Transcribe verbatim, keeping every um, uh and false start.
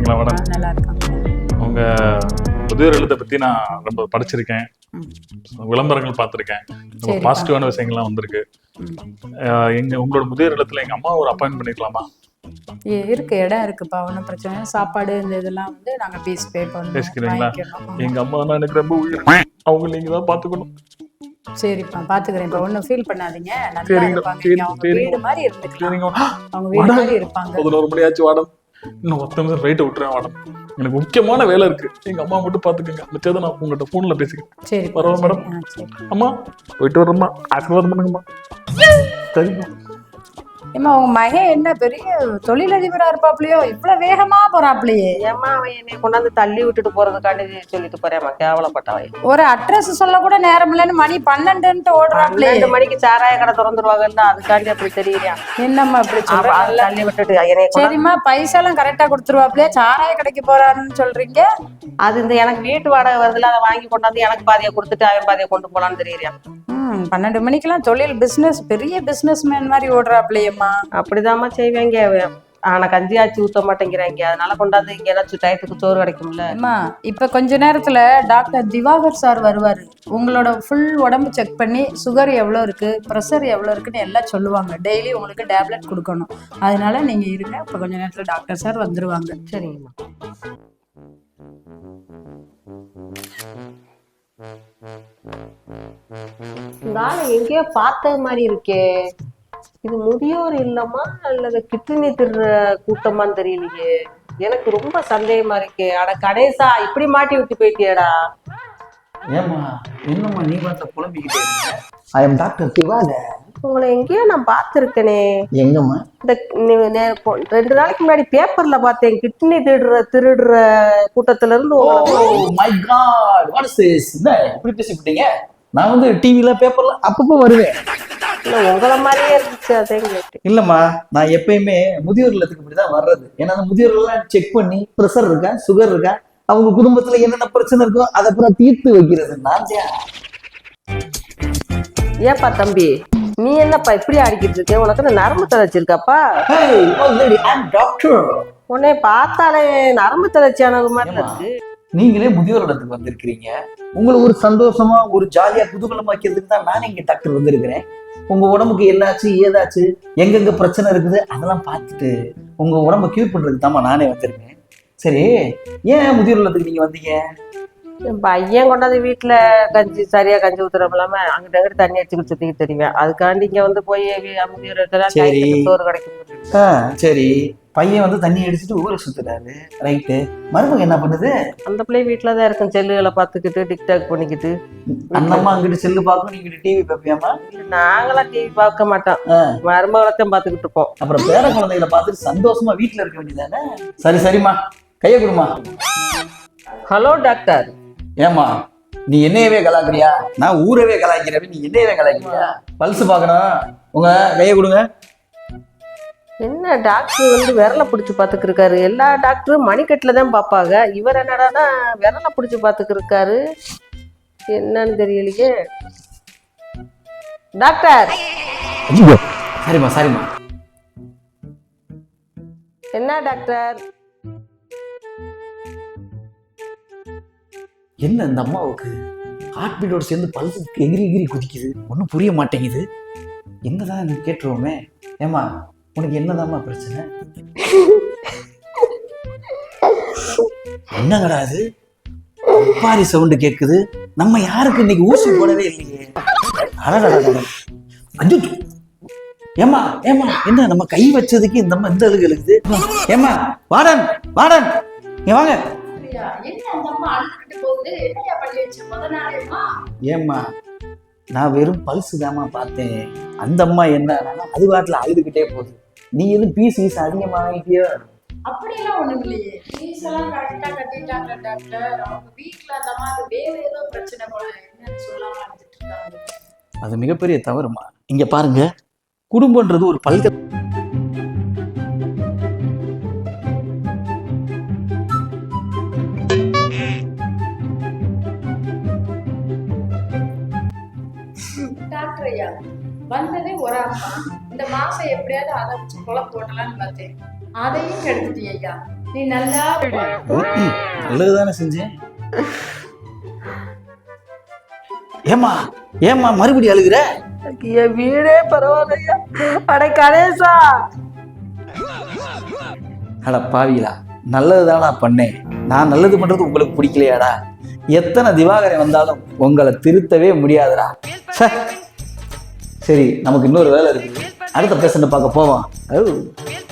இருக்கீங்களா மேடம்? நல்லா இருக்காங்க. உங்க முதியோர் இல்லத்தை பத்தி நான் ரொம்ப படிச்சிருக்கேன், விளம்பரங்கள் பார்த்துருக்கேன், ரொம்ப பாசிட்டிவான விஷயங்கள்லாம் வந்திருக்கு. எங்க உங்களோட முதியோர் இல்லத்துல எங்க அம்மா ஒரு அப்பாயின்ட் பண்ணிக்கலாமா? இருக்கு, இடம் இருக்குப்பா, ஒன்றும் பிரச்சனை இல்லை. சாப்பாடு இந்த இதெல்லாம் வந்து நாங்கள் பீஸ் பே பேசிக்கிறீங்களா? எங்க அம்மா தான் எனக்கு ரொம்ப உயிர், அவங்க நீங்க தான் பாத்துக்கணும். சரிப்பா, பாத்துக்கிறேன். இப்போ ஒன்றும் ஃபீல் பண்ணாதீங்க, நல்லா இருப்பாங்க. அவங்க வீடு மாதிரி இருந்துக்கலாம், அவங்க வீடு மாதிரி இருப்பாங்க. பதினோரு மணி ஆச்சு வாடம், இன்னும் பத்து நிமிஷம் ரைட்டை விட்டுறேன் வாடம், எனக்கு முக்கியமான வேலை இருக்கு. எங்க அம்மா மட்டும் பாத்துக்கங்க, மிச்சத்தை நான் உங்கள்கிட்ட போன்ல பேசிக்கிறேன். சரி பரவாயில்ல மேடம். அம்மா போயிட்டு வரேம்மா, ஆசீர்வாதம் பண்ணுங்கம்மா. சரிம்மா. ஏமா உங்க மகன் என்ன பெரிய தொழிலதிபரா இருப்பாப்லையோ, இவ்வளவு வேகமா போறாப்லையே? ஏமா அவன் என்னை கொண்டாந்து தள்ளி விட்டுட்டு போறதுக்காண்டி சொல்லிட்டு போறேம்மா, கேவலப்பட்டவன். ஒரு அட்ரஸ் சொல்ல கூட நேரம் இல்லைன்னு மணி பன்னெண்டுன்ட்டு ஓடுறாப்லையே. ரெண்டு மணிக்கு சாராய கடை திறந்துருவாங்கல்ல, அதுக்காண்டி அப்படி தெரியுறியா? என்னம்மா இப்படி சொல்றாங்க? தள்ளி விட்டுட்டு என்னை. சரிம்மா, பைசா எல்லாம் கரெக்டா கொடுத்துருவாப்லையே, சாராய கடைக்கு போறாருன்னு சொல்றீங்க? அது இந்த எனக்கு வீட்டு வாடகை வருதுல, அதை வாங்கி கொண்டாந்து எனக்கு பாதியை கொடுத்துட்டு அவன் பாதியை கொண்டு போலான்னு தெரியுறியா? ம் பன்னெண்டு மணிக்கெல்லாம் தொழில் பிசினஸ் பெரிய பிசினஸ் மேன் மாதிரி ஓடுறாப்லையம்மா. அப்படிதாம்மா செய்வாங்க. ஆனா கஞ்சி ஆச்சு ஊத்த மாட்டேங்கிறாங்க, அதனால கொண்டாந்து இங்க ஏதாச்சும் டயத்துக்கு சோறு கிடைக்கும்ல. அம்மா இப்ப கொஞ்ச நேரத்துல டாக்டர் திவாகர் சார் வருவாரு, உங்களோட ஃபுல் உடம்பு செக் பண்ணி சுகர் எவ்வளோ இருக்கு, ப்ரெஷர் எவ்வளோ இருக்குன்னு எல்லாம் சொல்லுவாங்க. டெய்லி உங்களுக்கு டேப்லெட் கொடுக்கணும், அதனால நீங்க இருங்க. இப்ப கொஞ்ச நேரத்துல டாக்டர் சார் வந்துருவாங்க. சரிங்கம்மா. இந்த ஆளை எங்கேயோ பார்த்தது மாதிரி இருக்கே, இது முதியோர் இல்லமா அல்லது கிட்னி திருற கூட்டமான்னு தெரியலையே, எனக்கு ரொம்ப சந்தேகமா இருக்கே. அட கணேசா, இப்படி மாட்டி விட்டு போயிட்டியடா. ஏமா என்னம்மா நீ பார்த்த புலம்பிக்கிட்டே இருக்க? I am doctor Diwakar. உங்களை எங்கேயோ நான் பார்த்துருக்கேனே. எங்கம்மா? இந்த ரெண்டு நாளைக்கு முன்னாடி பேப்பர்ல பார்த்தேன், கிட்னி திருடுற திருடுற கூட்டத்துல இருந்து. My God, what is this? என்ன இப்படி பேசிவிட்டீங்க? நான் வந்து டிவில பேப்பர்ல அப்பப்போ வருவேன். இல்ல உங்களை மாதிரியே இருந்துச்சு, அதே கேட்டு. இல்லம்மா, நான் எப்பயுமே முதியோர் இல்லத்துக்கு இப்படிதான் வர்றது. ஏன்னா அந்த முதியோர்கள்லாம் செக் பண்ணி ப்ரெஷர் இருக்கா, சுகர் இருக்கா, அவங்க குடும்பத்துல என்னென்ன பிரச்சனை இருக்கோ அதை அப்புறம் தீர்த்து வைக்கிறது நான் தான். ஏப்பா தம்பி, நீ என்னப்பா இப்படி ஆடிக்கிட்டு இருக்க? உனக்கு நரம்பு தளர்ச்சிருக்காப்பா? உன்னை பார்த்தாலே நரம்பு தளர்ச்சியானது மாதிரி இருக்கு. நீங்களே முதியோர் இல்லத்துக்கு வந்திருக்கிறீங்க, உங்களுக்கு ஒரு சந்தோஷமா ஒரு ஜாலியா குதூகலமாக்கிறதுக்கு தான் நான் இங்க டாக்டர் வந்திருக்கிறேன். உங்க உடம்புக்கு என்னாச்சு ஏதாச்சு எங்கெங்க பிரச்சனை இருக்குது அதெல்லாம் பார்த்துட்டு உங்க உடம்ப கியூர் பண்றதுக்கு தாமா நானே வந்திருக்கேன். சரி, ஏன் முதியோர் இல்லத்துக்கு நீங்க வந்தீங்க? என் பையன் கொண்டாந்து வீட்டுல கஞ்சி சரியா கஞ்சி ஊத்துறோம் இல்லாம அங்கிட்ட அங்கிட்ட தண்ணி அடிச்சுக்கிட்டு சுத்திக்கிட்டு தெரியுவேன். அதுக்காண்டி இங்க வந்து போய் முதியோர் இடத்துல சோறு கிடைக்கும். சரி, பையன் வந்து தண்ணி அடிச்சுட்டு ஊரை சுத்துறாரு, ரைட்டு. மருமக என்ன பண்ணுது? அந்த பிள்ளை வீட்டுலதான் இருக்கும், செல்லுகளை பாத்துக்கிட்டு டிக்டாக் பண்ணிக்கிட்டு. அண்ணம்மா அங்கிட்டு செல்லு பார்க்கும், நீங்க டிவி பார்ப்பியாமா? நாங்களாம் டிவி பார்க்க மாட்டோம், மருமகளைத்தான் பாத்துக்கிட்டு இருப்போம். அப்புறம் பேர குழந்தைகளை பார்த்துட்டு சந்தோஷமா வீட்டுல இருக்க வேண்டியதானே? சரி சரிம்மா, கைய கொடுமா. Hello doctor. ஏமா நீ என்னையவே கலாக்குறியா? நான் ஊரவே கலாய்க்கிறவன், நீ என்னையவே கலாய்க்கிறியா? பல்ஸ் பாக்கணும், உங்க கைய கொடுங்க. என்ன டாக்டர் வந்து விரலை பிடிச்சி பாத்துக்கு இருக்காரு? எல்லா டாக்டரும் மணிக்கட்டுல தான் பாப்பாங்க, இவர் என்னடானா விரலை பிடிச்சி பாத்துக்கு இருக்காரு, என்னன்னு தெரியலையே. டாக்டர். சரிம்மா சரிம்மா. என்ன டாக்டர்? என்ன இந்த அம்மாவுக்கு ஹார்ட் பீட்டோட சேர்ந்து பல்ஸ் எகிரி எகிரி குதிக்குது, ஒன்றும் புரிய மாட்டேங்குது. என்னதான் கேட்டுருவோமே. ஏமா உனக்கு என்னதாம்மா பிரச்சனை? என்னங்கடா அது பாரி சவுண்டு கேட்குது? நம்ம யாருக்கு இன்னைக்கு ஊசி போடவே இல்லையே. அஞ்சு ஏமா ஏமா என்ன நம்ம கை வச்சதுக்கு இந்த அம்மா இந்த அழுகு எழுகுது? ஏமா வாடன் வாடன் நீ வாங்க. ஏம்மா நான் வெறும் பல்ஸ் தாமா பார்த்தேன், அந்த அம்மா என்ன அது வாட்டில் அழுதுகிட்டே போகுது. நீ எதுவும் பீஸ் பீஸ் அதிகமா வாங்கிட்டியோ? அப்படியெல்லாம் ஒண்ணும் இல்லையே, பீஸ் எல்லாம் கரெக்டா கட்டிட்டாங்க டாக்டர். அவங்க வீட்டுல அந்த மாதிரி வேற ஏதோ பிரச்சனை போல, என்னன்னு சொல்லாம அழுதுட்டு இருக்காங்க. அது மிகப்பெரிய தவறுமா. இங்க பாருங்க, குடும்பம்ன்றது ஒரு பல்க டாக்டர் ஐயா வந்ததே ஒரு அம்மா, இந்த மாசம் எப்படியாவது அதை வச்சு கொலை போட்டலான்னு பார்த்தேன், அதையும் கெடுத்துட்டீங்க ஐயா. நீ நல்லா நல்லதுதானே செஞ்சேன். ஏமா ஏமா மறுபடியும் அழுகுற? என் வீடே பரவாயில்லையா. அட கணேசா, அட பாவிகளா, நல்லதுதானா பண்ணேன். நான் நல்லது பண்றது உங்களுக்கு பிடிக்கலையாடா? எத்தனை திவாகரன் வந்தாலும் உங்களை திருத்தவே முடியாதுடா. ச்சே. சரி, நமக்கு இன்னொரு வேலை இருக்குது. அடுத்த பேஷண்ட்டை பார்க்க போவோம். ஓ